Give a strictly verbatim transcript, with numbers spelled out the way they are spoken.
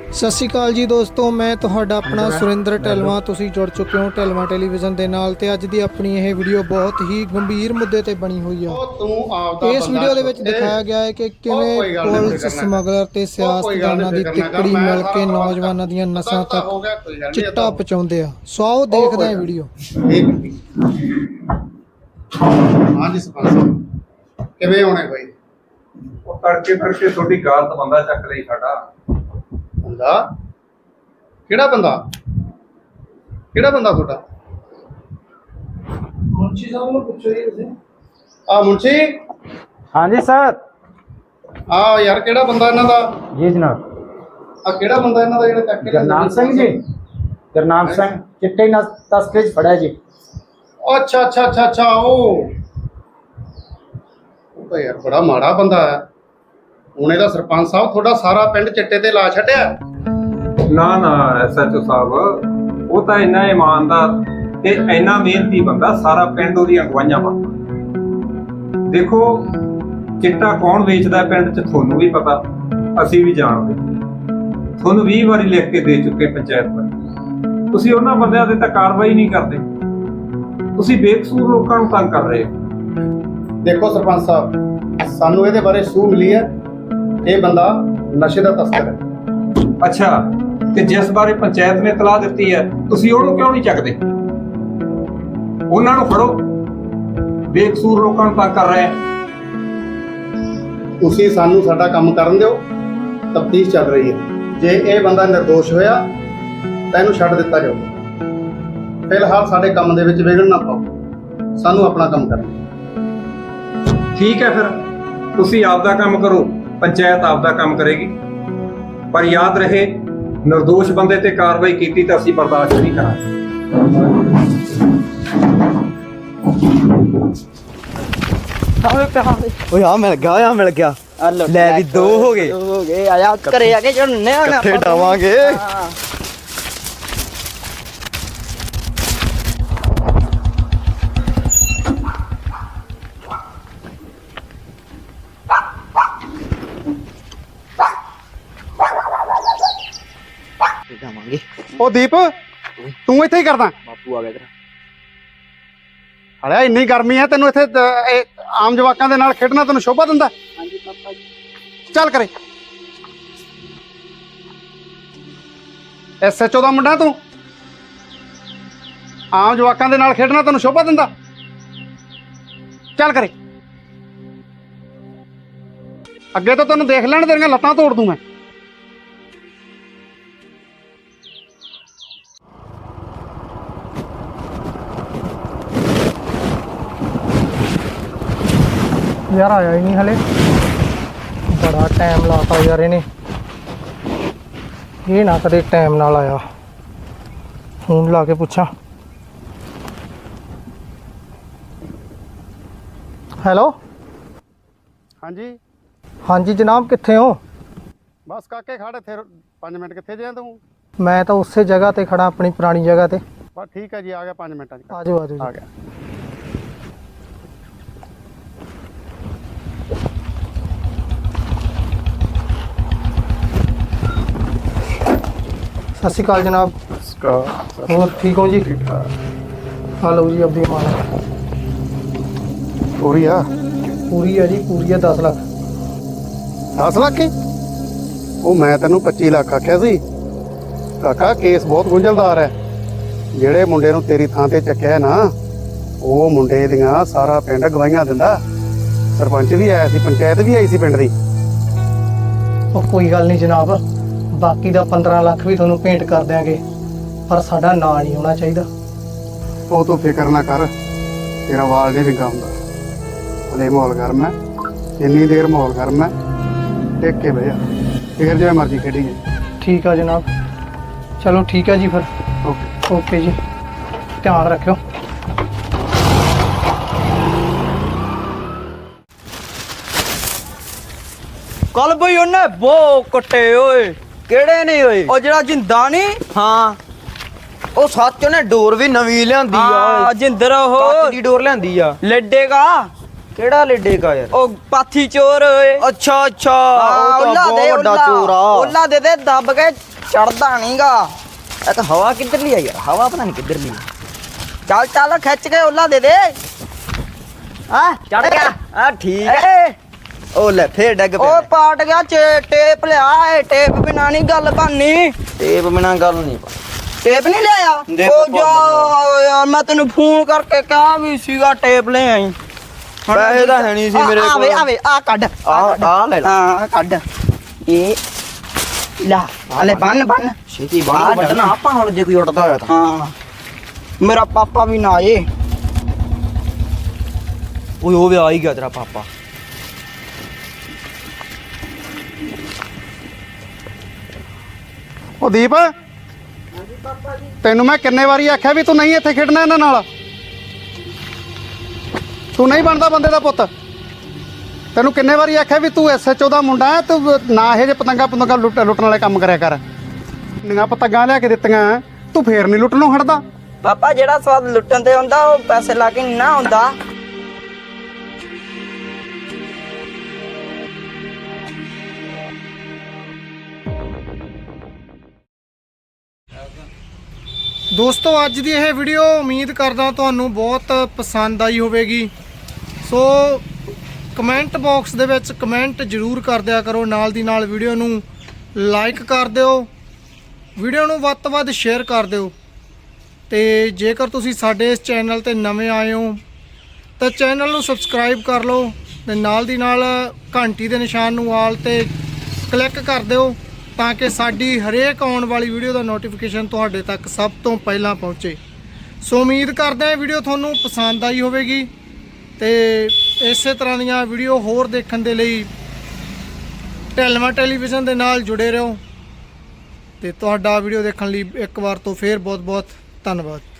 ਸਤਿ ਸ਼੍ਰੀ ਅਕਾਲ ਜੀ ਦੋਸਤੋ, ਮੈਂ ਤੁਹਾਡਾ ਆਪਣਾ ਸੁਰਿੰਦਰ ਢਿਲਵਾਂ। ਤੁਸੀਂ ਜੁੜ ਚੁੱਕੇ ਹੋ ਢਿਲਵਾਂ ਟੈਲੀਵਿਜ਼ਨ ਦੇ ਨਾਲ ਤੇ ਅੱਜ ਦੀ ਆਪਣੀ ਇਹ ਵੀਡੀਓ ਬਹੁਤ ਹੀ ਗੰਭੀਰ ਮੁੱਦੇ ਤੇ ਬਣੀ ਹੋਈ ਆ। ਇਸ ਵੀਡੀਓ ਦੇ ਵਿੱਚ ਦਿਖਾਇਆ ਗਿਆ ਹੈ ਕਿ ਕਿਵੇਂ ਪੁਲਿਸ ਸਮਗਲਰ ਤੇ ਸਿਆਸਤਦਾਨਾਂ ਦੀ ਤਿੱਕੜੀ ਮਿਲ ਕੇ ਨੌਜਵਾਨਾਂ ਦੀਆਂ ਨਸਾਂ ਤੱਕ ਚਿੱਟਾ ਪਹੁੰਚਾਉਂਦੇ ਆ। ਸੋ ਆਓ ਦੇਖਦੇ ਹਾਂ ਵੀਡੀਓ। ਹਾਂਜੀ ਸਰਪੰਚ ਸਾਹਿਬ ਕਿਵੇਂ ਹੋਣੇ ਕੋਈ ਉਹ ਤੜਕੇ ਤੜਕੇ ਤੁਹਾਡੀ ਗਾਲ ਤਾਂ ਬੰਦਾ ਚੱਕ ਲਈ ਸਾਡਾ ਬੰਦਾ। ਕਿਹੜਾ ਬੰਦਾ ਕਿਹੜਾ ਬੰਦਾ ਤੁਹਾਡਾ? ਮੁੰਸ਼ੀ ਸਾਹਿਬ ਨੂੰ ਪੁੱਛੋ ਜੀ ਤੁਸੀਂ। ਆ ਮੁੰਸ਼ੀ। ਹਾਂਜੀ ਸਰ। ਆ ਯਾਰ ਕਿਹੜਾ ਬੰਦਾ ਇਹਨਾਂ ਦਾ? ਜੀ ਜਨਾਬ। ਆ ਕਿਹੜਾ ਬੰਦਾ ਇਹਨਾਂ ਦਾ ਜਿਹੜਾ ਚੱਕ ਕੇ ਗੁਰਨਾਮ ਸਿੰਘ ਜੀ। ਗੁਰਨਾਮ ਸਿੰਘ ਚਿੱਟੇ ਨਾਲ ਤਸਕਰੀ ਚ ਫੜਿਆ ਜੀ। ਅੱਛਾ ਅੱਛਾ ਅੱਛਾ ਅੱਛਾ ਉਹ ਉਹ ਤਾਂ ਯਾਰ ਬੜਾ ਮਾੜਾ ਬੰਦਾ ਹੈ। ਉਹਨੇ ਦਾ ਸਰਪੰਚ ਸਾਹਿਬ ਤੁਹਾਡਾ ਸਾਰਾ ਪਿੰਡ ਚਿੱਟੇ ਤੇ ਲਾ ਛੱਡਿਆ। ਨਾ ਨਾ ਐਸਐਚਓ ਸਾਹਿਬ, ਉਹ ਤਾਂ ਇੰਨਾ ਇਮਾਨਦਾਰ ਤੇ ਇੰਨਾ ਮਿਹਨਤੀ ਬੰਦਾ, ਸਾਰਾ ਪਿੰਡ ਉਹਦੀਆਂ ਅਗਵਾਈਆਂ ਮੰਨਦਾ। ਦੇਖੋ ਚਿੱਟਾ ਕੌਣ ਵੇਚਦਾ ਪਿੰਡ 'ਚ ਤੁਹਾਨੂੰ ਵੀ ਪਤਾ, ਅਸੀਂ ਵੀ ਜਾਣਦੇ। ਤੁਹਾਨੂੰ ਵੀਹ ਵਾਰੀ ਲਿਖ ਕੇ ਦੇ ਚੁੱਕੇ ਪੰਚਾਇਤ ਪਰ, ਤੁਸੀਂ ਉਹਨਾਂ ਬੰਦਿਆਂ ਤੇ ਤਾਂ ਕਾਰਵਾਈ ਨਹੀਂ ਕਰਦੇ। ਤੁਸੀਂ ਬੇਕਸੂਰ ਲੋਕਾਂ ਨੂੰ ਤੰਗ ਕਰ ਰਹੇ ਹੋ। ਦੇਖੋ ਸਰਪੰਚ ਸਾਹਿਬ, ਸਾਨੂੰ ਇਹਦੇ ਬਾਰੇ ਸੂਹ ਮਿਲੀ ਹੈ। ਇਹ ਬੰਦਾ ਨਸ਼ੇ ਦਾ ਤਸਕਰ ਹੈ। ਅੱਛਾ, ਤੇ ਜਿਸ ਬਾਰੇ ਪੰਚਾਇਤ ਨੇ ਇਤਲਾਹ ਦਿੱਤੀ ਹੈ, ਤੁਸੀਂ ਉਹਨੂੰ ਕਿਉਂ ਨਹੀਂ ਚੱਕਦੇ? ਉਹਨਾਂ ਨੂੰ ਫੜੋ, ਬੇਕਸੂਰ ਲੋਕਾਂ ਨੂੰ ਤੰਗ ਕਰ ਰਹੇ ਆ। ਤੁਸੀਂ ਸਾਨੂੰ ਸਾਡਾ ਕੰਮ ਕਰਨ ਦਿਓ, ਤਫਤੀਸ਼ ਚੱਲ ਰਹੀ ਹੈ। ਜੇ ਇਹ ਬੰਦਾ ਨਿਰਦੋਸ਼ ਹੋਇਆ ਤਾਂ ਇਹਨੂੰ ਛੱਡ ਦਿੱਤਾ ਜਾਊਗਾ। ਫਿਲਹਾਲ ਸਾਡੇ ਕੰਮ ਦੇ ਵਿੱਚ ਵਿਘਨ ਨਾ ਪਾਓ, ਸਾਨੂੰ ਆਪਣਾ ਕੰਮ ਕਰਨ ਦਿਓ। ਠੀਕ ਹੈ, ਫਿਰ ਤੁਸੀਂ ਆਪਦਾ ਕੰਮ ਕਰੋ, ਪੰਚਾਇਤ ਆਪਦਾ ਕੰਮ ਕਰੇਗੀ। ਪਰ ਯਾਦ ਰਹੇ, ਨਿਰਦੋਸ਼ ਬੰਦੇ ਤੇ ਕਾਰਵਾਈ ਕੀਤੀ ਤਾਂ ਅਸੀਂ ਬਰਦਾਸ਼ਤ ਨਹੀਂ ਕਰਾਂਗੇ। ਓਏ ਆ ਮਿਲ ਗਿਆ, ਆ ਮਿਲ ਗਿਆ। ਲੈ ਵੀ ਦੋ ਹੋ ਗਏ ਹੋ ਗਏ। ਆਇਆ ਘਰੇ ਆ ਕੇ ਜੁੜਨੇ ਹੁਣ ਇਕੱਠੇ ਡਾਵਾਂਗੇ। ਉਹ ਦੀਪ, ਤੂੰ ਇੱਥੇ ਹੀ ਕਰਦਾ? ਬਾਪੂ ਆ ਗਿਆ ਤੇਰਾ। ਹਲਿਆ ਇੰਨੀ ਗਰਮੀ ਹੈ, ਤੈਨੂੰ ਇੱਥੇ ਇਹ ਆਮ ਜਵਾਕਾਂ ਦੇ ਨਾਲ ਖੇਡਣਾ ਤੈਨੂੰ ਸ਼ੋਭਾ ਦਿੰਦਾ? ਹਾਂਜੀ ਪਾਪਾ ਜੀ। ਚੱਲ ਕਰੇ। ਐਸਐਚਓ ਦਾ ਮੁੰਡਾ ਤੂੰ? ਆਮ ਜਵਾਕਾਂ ਦੇ ਨਾਲ ਖੇਡਣਾ ਤੈਨੂੰ ਸ਼ੋਭਾ ਦਿੰਦਾ? ਚੱਲ ਕਰੇ। ਅੱਗੇ ਤੋਂ ਤੈਨੂੰ ਦੇਖ ਲੈਣ, ਤੇਰੀਆਂ ਲੱਤਾਂ ਤੋੜ ਦੂੰ ਮੈਂ। ਯਾਰ ਆਇਆ ਹੀ ਨਹੀਂ ਹਲੇ, ਬੜਾ ਟਾਈਮ ਲਾਤਾ ਯਾਰ ਇਹਨੇ। ਇਹ ਨਾ ਕਦੇ ਟਾਈਮ ਨਾਲ ਆਇਆ। ਫੋਨ ਲਾ ਕੇ ਪੁੱਛਾਂ। ਹੈਲੋ। ਹਾਂਜੀ ਹਾਂਜੀ ਜਨਾਬ, ਕਿੱਥੇ ਹੋ? ਬਸ ਕਾਕੇ ਖੜ ਇੱਥੇ ਪੰਜ ਮਿੰਟ। ਕਿੱਥੇ ਜਿਆ ਤੂੰ? ਮੈਂ ਤਾਂ ਉਸੇ ਜਗ੍ਹਾ ਤੇ ਖੜਾ, ਆਪਣੀ ਪੁਰਾਣੀ ਜਗ੍ਹਾ ਤੇ। ਬਸ ਠੀਕ ਹੈ ਜੀ, ਆ ਗਿਆ ਪੰਜ ਮਿੰਟਾਂ 'ਚ। ਆ ਜਾਓ ਆ ਜਾਓ ਆ ਗਿਆ। ਸਤਿ ਸ਼੍ਰੀ ਅਕਾਲ ਜਨਾਬ। ਹੋਰ ਠੀਕ ਹੋ ਜੀ? ਆ ਲਓ ਜੀ ਆਪਦੀ ਮਾਲ। ਪੂਰੀ ਆ? ਪੂਰੀ ਆ ਜੀ, ਪੂਰੀ ਆ। ਦਸ ਲੱਖ। ਦਸ ਲੱਖ ਹੀ? ਉਹ ਮੈਂ ਤੈਨੂੰ ਪੱਚੀ ਲੱਖ ਆਖਿਆ ਸੀ ਕਾਕਾ। ਕੇਸ ਬਹੁਤ ਗੁੰਝਲਦਾਰ ਹੈ। ਜਿਹੜੇ ਮੁੰਡੇ ਨੂੰ ਤੇਰੀ ਥਾਂ ਤੇ ਚੱਕਿਆ ਨਾ, ਉਹ ਮੁੰਡੇ ਦੀਆਂ ਸਾਰਾ ਪਿੰਡ ਗਵਾਹੀਆਂ ਦਿੰਦਾ। ਸਰਪੰਚ ਵੀ ਆਇਆ ਸੀ, ਪੰਚਾਇਤ ਵੀ ਆਈ ਸੀ ਪਿੰਡ ਦੀ। ਉਹ ਕੋਈ ਗੱਲ ਨਹੀਂ ਜਨਾਬ, ਬਾਕੀ ਦਾ ਪੰਦਰਾਂ ਲੱਖ ਵੀ ਤੁਹਾਨੂੰ ਭੇਂਟ ਕਰ ਦਿਆਂਗੇ, ਪਰ ਸਾਡਾ ਨਾਂ ਨਹੀਂ ਹੋਣਾ ਚਾਹੀਦਾ। ਉਹ ਤੂੰ ਫਿਕਰ ਨਾ ਕਰ, ਤੇਰਾ ਵਾਲ ਨਹੀਂ ਵਿੰਗਾ ਹੁੰਦਾ। ਹਲੇ ਮਾਹੌਲ ਗਰਮ ਹੈ, ਇੰਨੀ ਦੇਰ ਮਾਹੌਲ ਗਰਮ ਹੈ, ਟਿਕ ਕੇ ਬਹਿ ਜਾ, ਫੇਰ ਜਿਵੇਂ ਮਰਜ਼ੀ ਖੇਡੀਏ। ਠੀਕ ਆ ਜਨਾਬ, ਚਲੋ ਠੀਕ ਹੈ ਜੀ ਫਿਰ। ਓਕੇ ਓਕੇ ਜੀ, ਧਿਆਨ ਰੱਖਿਓ। ਕੱਲ ਬਈ ਉਹਨੇ ਬੋ ਕੱਟੇ ਓਏ। ਕਿਹੜੇ ਨੇ ਓਏ? ਉਹ ਜਿਹੜਾ ਜਿੰਦਾ ਨਹੀਂ। ਹਾਂ, ਉਹ ਸੱਚ ਉਹਨੇ ਡੋਰ ਵੀ ਨਵੀਂ ਲਿਆਂਦੀ ਆ ਓਏ। ਜਿੰਦਰ ਉਹ ਕੱਚ ਦੀ ਡੋਰ ਲਿਆਂਦੀ ਆ। ਲੱਡੇਗਾ ਕਿਹੜਾ ਲੱਡੇਗਾ ਯਾਰ? ਉਹ ਪਾਥੀ ਚੋਰ ਓਏ। ਅੱਛਾ ਅੱਛਾ, ਉਹਲਾ ਦੇ ਵੱਡਾ ਚੋਰ ਆ। ਉਹਲਾ ਦੇ ਦੇ ਦੱਬ ਕੇ ਚੜਦਾ ਨਹੀਂਗਾ। ਇਹ ਤਾਂ ਹਵਾ ਕਿੱਧਰਲੀ ਆ ਯਾਰ, ਹਵਾ ਪਤਾ ਨਹੀਂ ਕਿੱਧਰਲੀ। ਚੱਲ ਚੱਲ ਖਿੱਚ ਕੇ ਓਲਾ ਦੇ ਦੇ। ਆ ਚੜ ਗਿਆ। ਆ ਠੀਕ ਹੈ। ਉਹ ਲੈ ਫੇਰ ਡੱਗ ਪਿਆ। ਉਹ ਪਾਟ ਗਿਆ ਟੇਪ ਲਿਆ। ਇਹ ਟੇਪ ਬਿਨਾ ਨਹੀਂ ਗੱਲ ਬਣਨੀ। ਟੇਪ ਬਿਨਾ ਗੱਲ ਨਹੀਂ ਬਣ। ਟੇਪ ਨਹੀਂ ਲਿਆਇਆ? ਉਹ ਜਾ ਯਾਰ, ਮੈਂ ਤੈਨੂੰ ਫੋਨ ਕਰਕੇ ਕਿਹਾ ਵੀ ਸੀਗਾ ਟੇਪ ਲੈ ਆਈ। ਪੈਸੇ ਤਾਂ ਹੈ ਨਹੀਂ ਸੀ ਮੇਰੇ ਕੋਲ। ਆਵੇ ਆਵੇ ਆ ਕੱਢ। ਆ ਆ ਲੈ ਹਾਂ ਕੱਢ। ਇਹ ਲਾ ਹਲੇ ਬੰਨ ਬੰਨ ਛੇਤੀ ਬਾਹਰ ਕੱਢਣਾ ਆਪਾਂ ਹੁਣ, ਜੇ ਕੋਈ ਉੱਡਦਾ ਹੋਇਆ ਤਾਂ। ਹਾਂ ਮੇਰਾ ਪਾਪਾ ਵੀ ਨਾ ਆਏ। ਓਏ ਉਹ ਵੀ ਆ ਹੀ ਗਿਆ ਤੇਰਾ ਪਾਪਾ। ਉਹ ਦੀਪ, ਤੈਨੂੰ ਮੈਂ ਕਿੰਨੇ ਵਾਰੀ ਆਖਿਆ ਵੀ ਤੂੰ ਨਹੀਂ ਇੱਥੇ ਖੇਡਣਾ ਇਹਨਾਂ ਨਾਲ। ਤੂੰ ਨਹੀਂ ਬਣਦਾ ਬੰਦੇ ਦਾ ਪੁੱਤ। ਤੈਨੂੰ ਕਿੰਨੇ ਵਾਰੀ ਆਖਿਆ ਵੀ ਤੂੰ ਐਸ ਐਚ ਓ ਦਾ ਮੁੰਡਾ ਹੈ, ਤੂੰ ਨਾ ਇਹ ਜੇ ਪਤੰਗਾ ਪਤੰਗਾ ਲੁੱਟ ਲੁੱਟਣ ਵਾਲੇ ਕੰਮ ਕਰਿਆ ਕਰ। ਨਿਆਂ ਪਤੰਗਾਂ ਲਿਆ ਕੇ ਦਿੱਤੀਆਂ, ਤੂੰ ਫੇਰ ਨਹੀਂ ਲੁੱਟਣੋਂ ਹਟਦਾ। ਪਾਪਾ ਜਿਹੜਾ ਸਵਾਦ ਲੁੱਟਣ ਤੇ ਹੁੰਦਾ ਉਹ ਪੈਸੇ ਲਾ ਕੇ ਨਾ ਹੁੰਦਾ। ਦੋਸਤੋ ਅੱਜ ਦੀ ਇਹ ਵੀਡੀਓ ਉਮੀਦ ਕਰਦਾ ਤੁਹਾਨੂੰ ਬਹੁਤ ਪਸੰਦ ਆਈ ਹੋਵੇਗੀ। ਸੋ ਕਮੈਂਟ ਬਾਕਸ ਦੇ ਵਿੱਚ ਕਮੈਂਟ ਜ਼ਰੂਰ ਕਰ ਦਿਆ ਕਰੋ। ਨਾਲ ਦੀ ਨਾਲ ਵੀਡੀਓ ਨੂੰ ਲਾਈਕ ਕਰ ਦਿਓ, ਵੀਡੀਓ ਨੂੰ ਵੱਧ ਤੋਂ ਵੱਧ ਸ਼ੇਅਰ ਕਰ ਦਿਓ। ਤੇ ਜੇਕਰ ਤੁਸੀਂ ਸਾਡੇ ਇਸ ਚੈਨਲ ਤੇ ਨਵੇਂ ਆਏ ਹੋ ਤਾਂ ਚੈਨਲ ਨੂੰ ਸਬਸਕ੍ਰਾਈਬ ਕਰ ਲਓ ਤੇ ਨਾਲ ਦੀ ਨਾਲ ਘੰਟੀ ਦੇ ਨਿਸ਼ਾਨ ਨੂੰ ਆਲ ਤੇ ਕਲਿੱਕ ਕਰ ਦਿਓ ਤਾਂ ਕਿ ਸਾਡੀ ਹਰੇਕ ਆਉਣ ਵਾਲੀ ਵੀਡੀਓ ਦਾ ਨੋਟੀਫਿਕੇਸ਼ਨ ਤੁਹਾਡੇ ਤੱਕ ਸਭ ਤੋਂ ਪਹਿਲਾਂ ਪਹੁੰਚੇ। ਸੋ ਉਮੀਦ ਕਰਦੇ ਹਾਂ ਵੀਡੀਓ ਤੁਹਾਨੂੰ ਪਸੰਦ ਆਈ ਹੋਵੇਗੀ ਤੇ ਇਸੇ ਤਰ੍ਹਾਂ ਦੀਆਂ ਵੀਡੀਓ ਹੋਰ ਦੇਖਣ ਦੇ ਲਈ ਢਿਲਵਾਂ ਟੈਲੀਵਿਜ਼ਨ ਦੇ ਨਾਲ ਜੁੜੇ ਰਹੋ। ਤੇ ਤੁਹਾਡਾ ਵੀਡੀਓ ਦੇਖਣ ਲਈ ਇੱਕ ਵਾਰ ਤੋਂ ਫੇਰ ਬਹੁਤ ਬਹੁਤ ਧੰਨਵਾਦ।